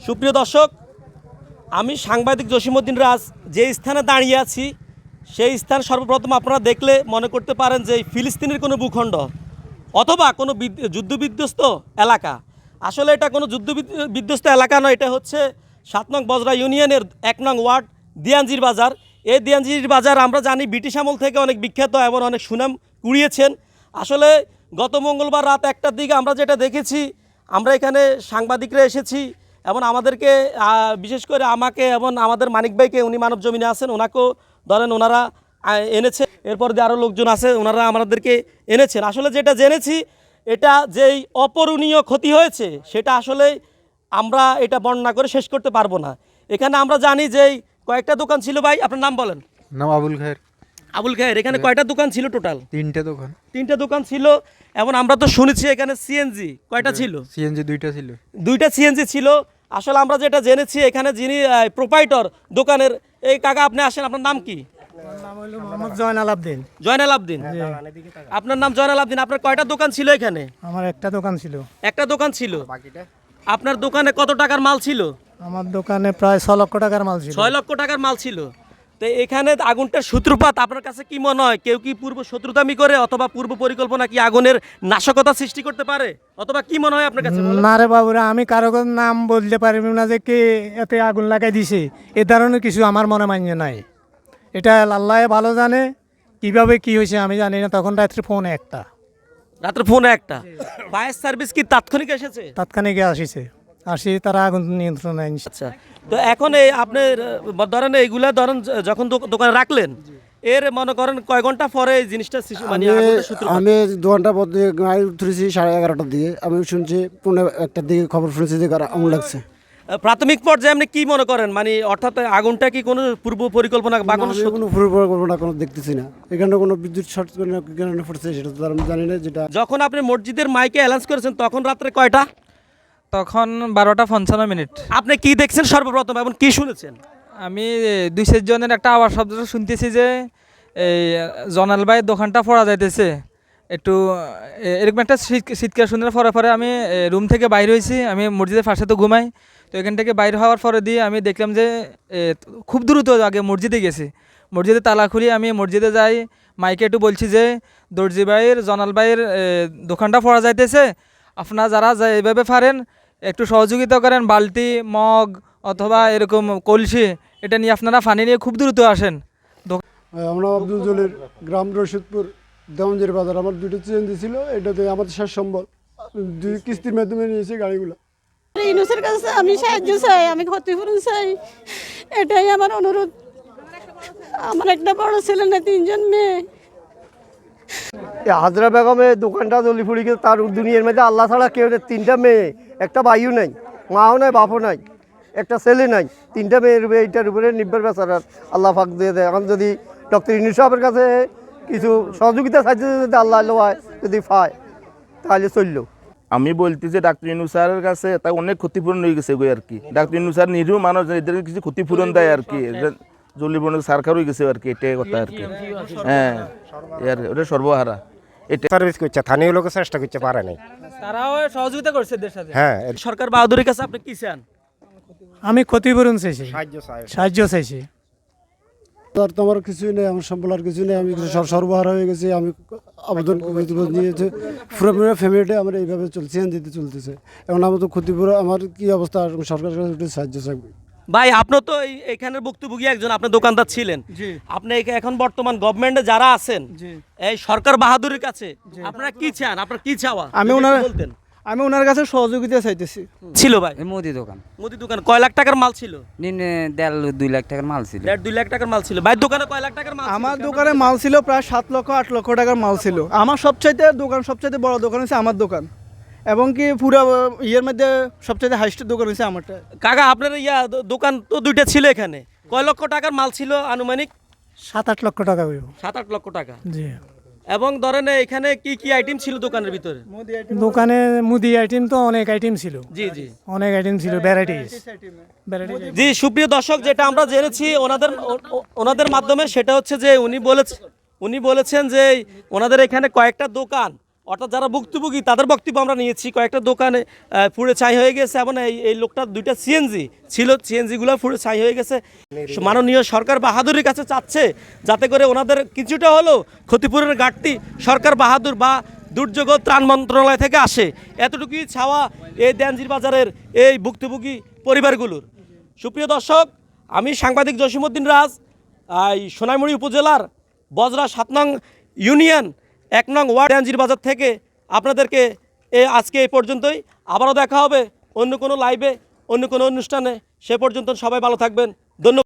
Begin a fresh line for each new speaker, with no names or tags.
সুপ্রিয় দর্শক, আমি সাংবাদিক জসিমউদ্দিন রাজ যে স্থানে দাঁড়িয়ে আছি সেই স্থান সর্বপ্রথম আপনারা দেখলে মনে করতে পারেন যে ফিলিস্তিনের কোনো ভূখণ্ড অথবা কোনো যুদ্ধবিধ্বস্ত এলাকা। আসলে এটা কোনো যুদ্ধবিধ্বস্ত এলাকা নয়, এটা হচ্ছে ৭ নং বজরা ইউনিয়নের ১ নং ওয়ার্ড দিয়াঞ্জির বাজার। এই দিয়াঞ্জির বাজার আমরা জানি ব্রিটিশ আমল থেকে অনেক বিখ্যাত এবং অনেক সুনাম কুড়িয়েছেন। আসলে গত মঙ্গলবার রাত ১টার দিকে আমরা যেটা দেখেছি, আমরা এখানে সাংবাদিকরা এসেছি এবং আমাদেরকে বিশেষ করে আমাকে এবং আমাদের মানিক ভাইকে, উনি মানব জমিনে আছেন, ওনাকেও ধরেন ওনারা এনেছে, এরপর যে আরও লোকজন আছে ওনারা আমাদেরকে এনেছেন। আসলে যেটা জেনেছি, এটা যেই অপূরণীয় ক্ষতি হয়েছে সেটা আসলে আমরা এটা বর্ণনা করে শেষ করতে পারবো না। এখানে আমরা জানি যে কয়েকটা দোকান ছিল। ভাই আপনার নাম বলেন।
নাম আবুল খায়ের।
আবুল খায়ের, এখানে কয়টা দোকান ছিল টোটাল? তিনটা দোকান ছিল। এবং আমরা তো শুনেছি এখানে সিএনজি কয়টা ছিল?
সিএনজি দুইটা ছিল।
দুইটা সিএনজি ছিল। আসলে আমরা যেটা জেনেছি, এখানে যিনি প্রোপাইটর দোকানের, এই কাকা আপনি আসেন, আপনার নাম কি?
জয়নাল আবদিন।
জয়নাল আবদিন, আপনার নাম জয়নাল আবদিন। আপনার কয়টা দোকান ছিল এখানে?
আমার একটা দোকান ছিল।
একটা দোকান ছিল। আপনার দোকানে কত টাকার মাল ছিল?
আমার দোকানে প্রায় ৬ লক্ষ টাকার মাল ছিল।
৬ লক্ষ টাকার মাল ছিল। তো এখানে আগুনটার সূত্রপাত আপনার কাছে কি মনে হয়? কেউ কি পূর্ব শত্রুতামি করে অথবা পূর্ব পরিকল্পনা কি আগুনের নাশকতা সৃষ্টি করতে পারে, অথবা কি মনে হয় আপনার কাছে?
না রে বাবুরা, আমি কারো নাম বলতে পারবি না যে কে এতে আগুন লাগাই দিছে। এ ধরনের কিছু আমার মনে মান্য নাই। এটা আল্লাহ ভালো জানে কিভাবে কি হয়েছে, আমি জানি না। তখন রাত্রে ফোনে একটা,
রাত্রে ফোনে একটা। ফায়ার সার্ভিস কি তাৎক্ষণিক এসেছে?
তাৎক্ষণিক আসি তারা আগুন নিয়ন্ত্রণে আনছে।
আচ্ছা, তো এখন এই আপনি ধরেন এইগুলা ধরেন যখন দোকানে রাখলেন, এর মনে করেন কয় ঘন্টা পরে এই জিনিসটা মানে
আমি 2 ঘন্টা পর দিয়ে গাড়ি উঠেছি 11:30টার দিকে। আমি শুনছি 1:45টার দিকে খবর শুনেছি যে আগুন লাগছে।
প্রাথমিক পর্যায়ে আপনি কি মনে করেন, মানে অর্থাৎ আগুনটা কি কোনো পূর্ব পরিকল্পনা বা কোনো
পূর্ব পরিকল্পনা কোনো দেখতেছি না। এখানে কোনো বিদ্যুৎ শর্ট কারণে পড়ছে সেটা তো আমি জানি না। যেটা
যখন আপনি মসজিদের মাইকে অ্যালাউন্স করেছেন তখন রাত্রে কয়টা?
তখন 12:55।
আপনি কি দেখছেন সর্বপ্রথম এবং কি শুনেছেন?
আমি 2-4 জনের একটা আওয়াজ শব্দ শুনতেছি যে এই জনাল ভাইয়ের দোকানটা পড়া যাইতেছে। একটু এরকম একটা শীতকাল শুনে পরে আমি রুম থেকে বাইরে হয়েছি। আমি মসজিদের পাশে তো ঘুমাই, তো এখান থেকে বাইরে হওয়ার পরে দিয়ে আমি দেখলাম যে খুব দ্রুত আগে মসজিদে গেছি। মসজিদে তালা খুলি আমি মসজিদে যাই, মাইকে একটু বলছি যে দর্জি ভাইয়ের, জনাল ভাইয়ের দোকানটা পড়া যাইতেছে, আপনারা যারা এভাবে পারেন একটু সহযোগিতা করেন, বালতি, মগ অথবা এরকম কলসি এটা নিয়ে আপনারা পানি নিয়ে খুব দ্রুত আসেন।
আমরা আব্দুল জলিল, গ্রাম রশিদপুর, দেওয়ানজির বাজার। আমার 2টা সিএনজি ছিল, এটাতে আমাদের শেষ সম্বল 2 কিস্তির মাধ্যমে নিয়েছি গাড়িগুলো।
ইউনূসের কাছে আমি সাহায্য চাই, আমি ক্ষতিপূরণ চাই, এটাই আমার অনুরোধ। আমার একটা বড় ছেলে না 3 জন মেয়ে।
হাজরা বেগমের দোকানটা জলি ফুড়ি গেছে। তার দুনিয়ার মধ্যে আল্লাহ ছাড়া কেউ নেই। 3টা মেয়ে, একটা ভাইও নাই, মাও নাই, বাপও নাই, একটা ছেলে নাই। 3টা মেয়ের এইটার উপরে নির্ভর বেচার আল্লাহ ফাঁক দিয়ে দেয়। এখন যদি ডক্টর ইউনূস সাহেবের কাছে কিছু সহযোগিতা সাহায্য যদি আল্লাহ যদি পায় তাহলে চললো।
আমি বলতেছি ডাক্তার ইউনূস স্যারের কাছে তা অনেক ক্ষতিপূরণ হয়ে গেছে আর কি। ডাক্তার ইউনূস স্যার নিরীহ মানুষ, এদেরকে কিছু ক্ষতিপূরণ দেয় আর কি। জলি বনে সরকার হয়ে গেছে আর কি, এটাই কথা আর কি। হ্যাঁ, ওটা সর্বহারা। এটা
সার্ভিস করছে, স্থানীয় লোকের চেষ্টা করতে পারে নাই,
তারাও সহযোগিতা করছে এদের সাথে।
হ্যাঁ,
সরকার বাহাদুরের কাছে আপনি কি চান?
আমি ক্ষতিপূরণ চাইছি, সাহায্য চাইছি।
আর তো আমার কিছুই নেই, আমার সম্বল আর কিছু নেই। আমি সর্বহারা হয়ে গেছি। আমি আবেদন নিয়েছে পুরো ফ্যামিলিটা আমার এইভাবে চলছে, যেতে চলতেছে। এখন আমার তো ক্ষতিপূরণ, আমার কি অবস্থা, সরকারের কাছে সাহায্য চাইবে।
ভাই আপনি তো এখানের ভুক্তভোগী একজন, আপনি দোকানদার ছিলেন। আপনি এখন বর্তমান গভর্নমেন্টে যারা আছেন, এই সরকার বাহাদুরের কাছে আপনারা কি চান? আপনার কি চাওয়া?
আমি ওনার কাছে সহযোগিতা চাইতেছি।
ছিল ভাই
মুদি দোকান
কয় লাখ টাকার মাল ছিল?
1.5-2 লাখ টাকার মাল ছিল।
1.5-2 লাখ টাকার মাল ছিল। ভাই দোকানে কয় লাখ টাকার মাল?
আমার দোকানে মাল ছিল প্রায় 7-8 লক্ষ টাকার মাল ছিল। আমার সবচাইতে বড় দোকান হচ্ছে আমার দোকান, এবং কি পুরো ইয়ের মধ্যে সবচাইতে হাইস্ট দোকান হচ্ছে আমারটা।
কাকা আপনার দোকান তো 2টা ছিল, এখানে কয় লক্ষ টাকার মাল ছিল আনুমানিক?
7-8 লক্ষ টাকা।
7-8 লক্ষ টাকা।
জি।
এবং ধরেন এখানে কি কি আইটেম ছিল দোকানের ভিতরে?
দোকানে মুদি আইটেম তো অনেক আইটেম ছিল।
জি জি,
অনেক আইটেম ছিল, ভ্যারাইটিস।
জি সুপ্রিয় দর্শক, যেটা আমরা জেনেছি ওনাদের মাধ্যমে, সেটা হচ্ছে যে উনি বলেছেন যে ওনাদের এখানে কয়েকটা দোকান অর্থাৎ যারা ভুক্তভোগী তাদের বক্তব্য আমরা নিয়েছি। কয়েকটা দোকানে পুড়ে ছাই হয়ে গেছে এবং এই লোকটা 2টা সিএনজি ছিল, সিএনজিগুলো পুড়ে ছাই হয়ে গেছে। মাননীয় সরকার বাহাদুরের কাছে চাচ্ছে যাতে করে ওনাদের কিছুটা হলেও ক্ষতিপূরণের ঘাটতি সরকার বাহাদুর বা দুর্যোগ ও ত্রাণ মন্ত্রণালয় থেকে আসে, এতটুকুই চাওয়া এই দেনজির বাজারের এই ভুক্তভোগী পরিবারগুলোর। সুপ্রিয় দর্শক, আমি সাংবাদিক জসিমউদ্দিন রাজ, এই সোনাইমুড়ি উপজেলার বজরা 7 নং ইউনিয়ন 1 নং ওয়ার্ড দেনজির বাজার থেকে আপনাদেরকে আজকে এই পর্যন্তই। আবারও দেখা হবে অন্য কোনো লাইভে, অন্য কোনো অনুষ্ঠানে। সে পর্যন্ত সবাই ভালো থাকবেন। ধন্যবাদ।